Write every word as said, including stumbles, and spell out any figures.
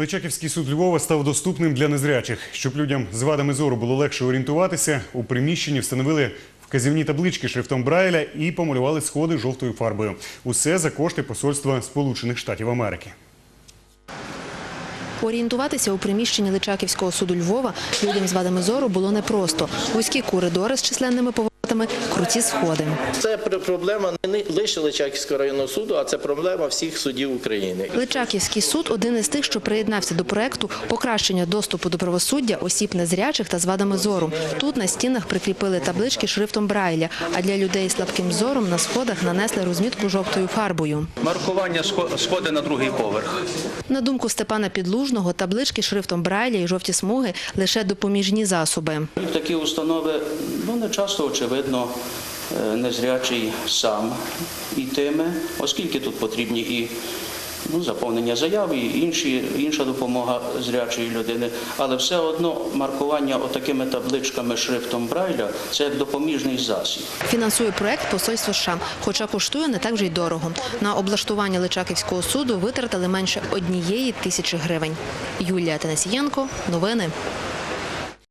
Личаківський суд Львова став доступним для незрячих. Щоб людям з вадами зору було легше орієнтуватися, у приміщенні встановили вказівні таблички шрифтом Брайля і помалювали сходи жовтою фарбою. Усе за кошти посольства Сполучених Штатів Америки. Орієнтуватися у приміщенні Личаківського суду Львова людям з вадами зору було непросто. Вузькі коридори з численними поворотами, круті сходи. Це проблема не лише Личаківського районного суду, а це проблема всіх судів України. Личаківський суд – один із тих, що приєднався до проекту покращення доступу до правосуддя осіб незрячих та з вадами зору. Тут на стінах прикріпили таблички шрифтом Брайля, а для людей з слабким зором на сходах нанесли розмітку жовтою фарбою. Маркування сходи на другий поверх. На думку Степана Підлужного, таблички шрифтом Брайля і жовті смуги – лише допоміжні засоби. Такі установи, ну, не часто, очевидно, незрячий сам йтиме, оскільки тут потрібні і ну, заповнення заяв, і інші, інша допомога зрячої людини. Але все одно маркування отакими табличками шрифтом Брайля – це як допоміжний засіб. Фінансує проект посольство США, хоча коштує не так вже й дорого. На облаштування Личаківського суду витратили менше однієї тисячі гривень. Юлія Танасієнко, новини.